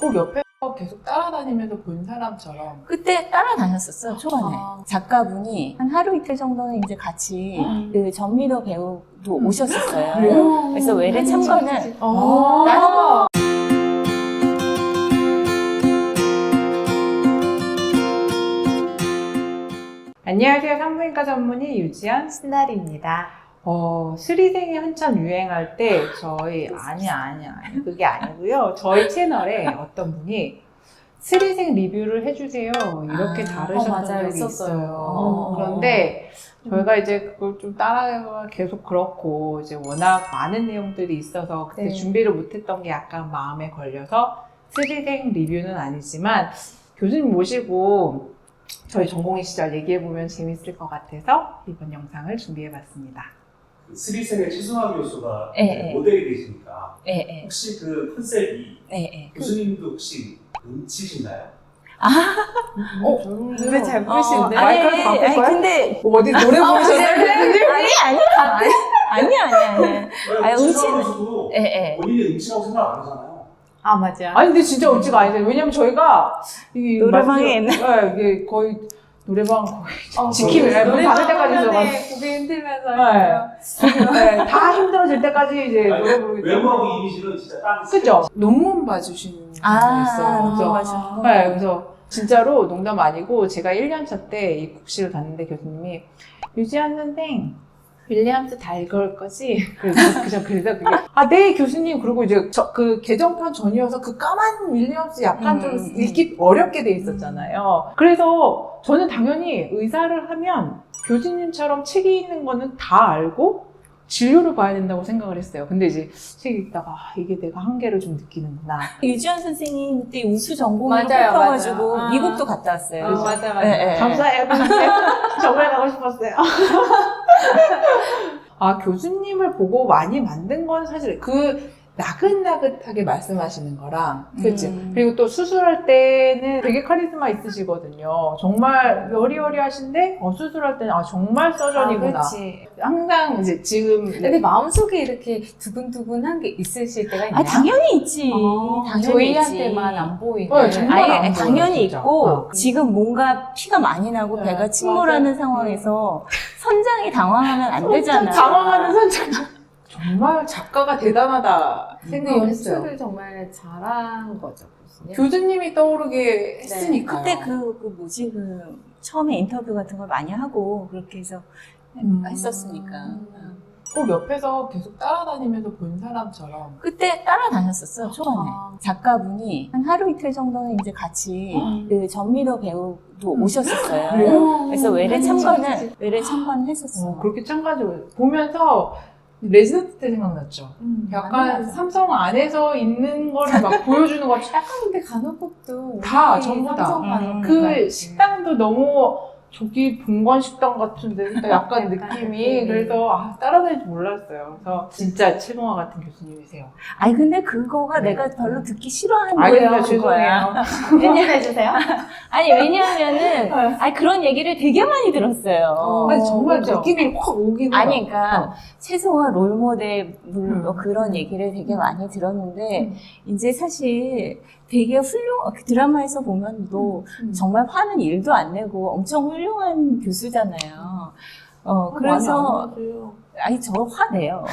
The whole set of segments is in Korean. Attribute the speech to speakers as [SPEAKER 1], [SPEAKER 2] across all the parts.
[SPEAKER 1] 꼭 옆에서 계속 따라다니면서 본 사람처럼.
[SPEAKER 2] 그때 따라다녔었어요, 초반에. 작가분이 한 하루 이틀 정도는 이제 같이 그 전미도 배우도 오셨었어요.
[SPEAKER 1] 그래요?
[SPEAKER 2] 그래서 외래 참관을
[SPEAKER 1] 아. 안녕하세요. 산부인과 전문의 유지연
[SPEAKER 3] 신나리입니다.
[SPEAKER 1] 스리생이 한참 유행할 때 저희 아니 그게 아니고요. 저희 채널에 어떤 분이 스리생 리뷰를 해주세요 이렇게 다루셨던
[SPEAKER 3] 맞아요.
[SPEAKER 1] 적이
[SPEAKER 3] 있었어요.
[SPEAKER 1] 있어요. 그런데 저희가 이제 그걸 좀 따라가 계속 그렇고 이제 워낙 많은 내용들이 있어서 그때
[SPEAKER 3] 네.
[SPEAKER 1] 준비를 못했던 게 약간 마음에 걸려서 스리생 리뷰는 아니지만 교수님 모시고 저희 전공의 시절 얘기해보면 재밌을 것 같아서 이번 영상을 준비해봤습니다.
[SPEAKER 4] 스리생의 최승화 교수가
[SPEAKER 2] 네.
[SPEAKER 4] 모델이 되시니까
[SPEAKER 2] 네.
[SPEAKER 4] 혹시 그 컨셉이
[SPEAKER 2] 네.
[SPEAKER 4] 교수님도 혹시 음치신가요?
[SPEAKER 3] 노래 잘 부르시는데?
[SPEAKER 1] 마이크를 바꿀까요?
[SPEAKER 2] 근데
[SPEAKER 1] 어디 노래 부르셨어요?
[SPEAKER 2] 아니.
[SPEAKER 4] 최승화 교수도
[SPEAKER 2] 예.
[SPEAKER 4] 본인이 음치라고 생각 안 하잖아요.
[SPEAKER 3] 아, 맞아.
[SPEAKER 1] 아니 근데 진짜 음치가 아니죠. 왜냐면 저희가 이
[SPEAKER 2] 노래방에
[SPEAKER 1] 이게 거의 노래방 거의 지키면 문 닫을 때까지
[SPEAKER 3] 노래방에
[SPEAKER 1] 들어가서
[SPEAKER 3] 고개 흔들면서
[SPEAKER 1] 다 힘들어질 때까지 이제 노래 부르기 때문에.
[SPEAKER 4] 외모하고 이미지는 진짜 딱
[SPEAKER 1] 그죠? 논문 봐주시는 분이 있어요.
[SPEAKER 2] 논문
[SPEAKER 1] 그래서
[SPEAKER 2] 봐주시는
[SPEAKER 1] 네, 그래서 진짜로 농담 아니고 제가 1년차 때 이 국시를 갔는데 교수님이 유지한 선생 윌리엄스 다 읽을 거지? 그래서 그게 네 교수님. 그리고 이제 그 개정판 전이어서 그 까만 윌리엄스 약간 좀 읽기 어렵게 돼 있었잖아요. 그래서 저는 당연히 의사를 하면 교수님처럼 책이 있는 거는 다 알고 진료를 봐야 된다고 생각을 했어요. 근데 이제 책 읽다가 이게 내가 한계를 좀 느끼는구나.
[SPEAKER 2] 유지연 선생님 그때 우수 전공으로
[SPEAKER 3] 맞아요,
[SPEAKER 2] 뽑혀가지고
[SPEAKER 3] 맞아요.
[SPEAKER 2] 미국도 갔다 왔어요.
[SPEAKER 3] 맞아.
[SPEAKER 2] 네.
[SPEAKER 1] 감사해요. 정말 가고 싶었어요. 교수님을 보고 많이 만든 건 사실 그 나긋나긋하게 말씀하시는 거랑, 그치? 그리고 또 수술할 때는 되게 카리스마 있으시거든요. 정말 여리여리하신데, 수술할 때는 정말 서전이구나.
[SPEAKER 3] 그렇지.
[SPEAKER 1] 항상 이제 지금.
[SPEAKER 3] 근데 마음속에 이렇게 두근두근한 게 있으실 때가 있나요?
[SPEAKER 2] 당연히 있지. 당연히
[SPEAKER 3] 저희한테만
[SPEAKER 2] 있지.
[SPEAKER 3] 안 보이는.
[SPEAKER 1] 정말 안 보여요,
[SPEAKER 2] 당연히
[SPEAKER 1] 진짜.
[SPEAKER 2] 있고 지금 뭔가 피가 많이 나고
[SPEAKER 1] 네,
[SPEAKER 2] 배가 침몰하는
[SPEAKER 1] 맞아.
[SPEAKER 2] 상황에서 선장이 당황하면 안 되잖아.
[SPEAKER 1] 당황하는 선장. 정말 작가가 대단하다 생각을 했어요.
[SPEAKER 3] 연출을 정말 잘한 거죠, 교수님.
[SPEAKER 1] 교수님이 떠오르게 했으니까요.
[SPEAKER 2] 그때 처음에 인터뷰 같은 걸 많이 하고 그렇게 해서 했었으니까.
[SPEAKER 1] 꼭 옆에서 계속 따라다니면서 본 사람처럼.
[SPEAKER 2] 그때 따라다녔었어요, 초반에. 작가분이 한 하루 이틀 정도는 이제 같이 그 전미도 배우도 오셨었어요.
[SPEAKER 1] 그래요?
[SPEAKER 2] 그래서 외래 참관을 했었어요.
[SPEAKER 1] 그렇게 참가적으로 보면서 레지던트 때 생각났죠. 약간
[SPEAKER 3] 맞아.
[SPEAKER 1] 삼성 안에서 있는 거를 막 보여주는 것.
[SPEAKER 3] 약간 근데 간호법도
[SPEAKER 1] 다,
[SPEAKER 3] 우리
[SPEAKER 1] 전부 다.
[SPEAKER 3] 삼성 간호법
[SPEAKER 1] 그
[SPEAKER 3] 같이.
[SPEAKER 1] 식당도 너무 저기 본관 식당 같은데 약간
[SPEAKER 3] 약간
[SPEAKER 1] 느낌이.
[SPEAKER 3] 느낌이.
[SPEAKER 1] 그래서 따라다닐 줄 몰랐어요. 그래서 진짜 최동화 같은 교수님이세요.
[SPEAKER 2] 아니 근데 그거가 내가 별로 듣기 싫어하는
[SPEAKER 1] 알겠어요.
[SPEAKER 2] 거예요.
[SPEAKER 1] 죄송해요.
[SPEAKER 3] 웬일해주세요?
[SPEAKER 2] 아니 왜냐하면은 그런 얘기를 되게 많이 들었어요.
[SPEAKER 1] 아니, 정말
[SPEAKER 3] 그죠?
[SPEAKER 1] 느낌이 확 오긴 해요.
[SPEAKER 2] 아니, 그러니까, 최소한 롤모델, 그런 얘기를 되게 많이 들었는데, 이제 사실 되게 드라마에서 보면 정말 화는 일도 안 내고 엄청 훌륭한 교수잖아요. 그래서, 아니, 저 화내요.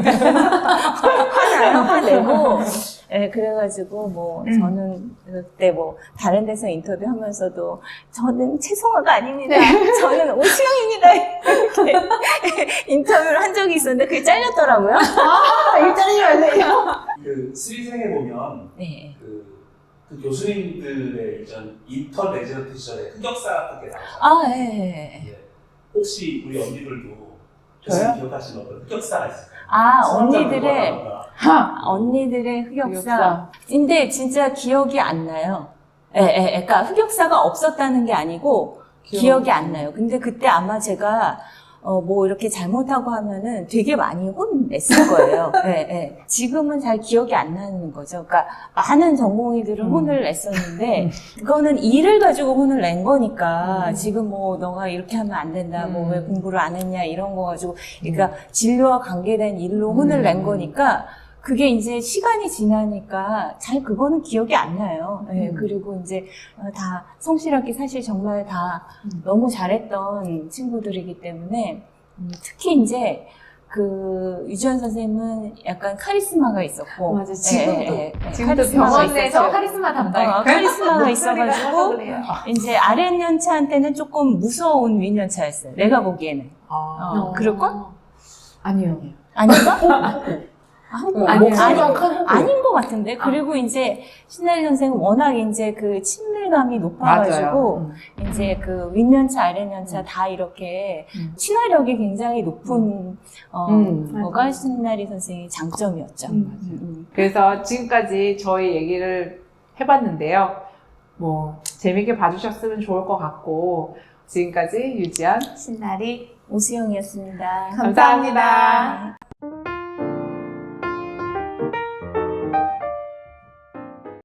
[SPEAKER 2] 화내고, 그래가지고, 저는 그때 다른 데서 인터뷰 하면서도, 저는 최성화가 아닙니다. 저는 오시영입니다. 이렇게 인터뷰를 한 적이 있었는데, 그게 잘렸더라고요.
[SPEAKER 1] 이거 잘리면 안 돼요.
[SPEAKER 4] 그 스리생에 보면
[SPEAKER 2] 네.
[SPEAKER 4] 그 교수님들의 이전 인턴 레지던트 시절에 흑역사 같은 게 나오잖아요. 예. 혹시 우리 언니들도 교수님 기억하시는 어떤 흑역사가 있을까요?
[SPEAKER 2] 언니들의 흑역사. 근데 진짜 기억이 안 나요. 그러니까 흑역사가 없었다는 게 아니고 기억이 안 나요. 근데 그때 아마 제가 이렇게 잘못하고 하면은 되게 많이 혼냈을 거예요. 지금은 잘 기억이 안 나는 거죠. 그러니까 많은 전공의들은 혼을 냈었는데, 그거는 일을 가지고 혼을 낸 거니까, 지금 너가 이렇게 하면 안 된다, 왜 공부를 안 했냐, 이런 거 가지고, 그러니까 진료와 관계된 일로 혼을 낸 거니까, 그게 이제 시간이 지나니까 잘 그거는 기억이 안 나요. 예, 그리고 이제 다 성실하게 사실 정말 다 너무 잘했던 친구들이기 때문에 특히 이제 그 유지연 선생님은 약간 카리스마가 있었고
[SPEAKER 1] 맞아, 지금도. 지금도
[SPEAKER 2] 카리스마가
[SPEAKER 3] 병원에서
[SPEAKER 2] 있었어요.
[SPEAKER 3] 카리스마 담당.
[SPEAKER 2] 카리스마가 있어가지고 이제 아랫연차한테는 조금 무서운 윗연차였어요. 내가 보기에는. 그럴걸?
[SPEAKER 1] 아니요.
[SPEAKER 2] 아닌가?
[SPEAKER 1] 아니요.
[SPEAKER 2] 아닌 것 같은데. 그리고 이제 신나리 선생은 워낙 이제 그 친밀감이 높아가지고 이제 그 윗연차, 아랫연차 다 이렇게 친화력이 굉장히 높은 거가 신나리 선생의 장점이었죠.
[SPEAKER 1] 그래서 지금까지 저희 얘기를 해봤는데요. 뭐 재밌게 봐주셨으면 좋을 것 같고 지금까지 유지연,
[SPEAKER 2] 신나리 오수영이었습니다.
[SPEAKER 1] 감사합니다.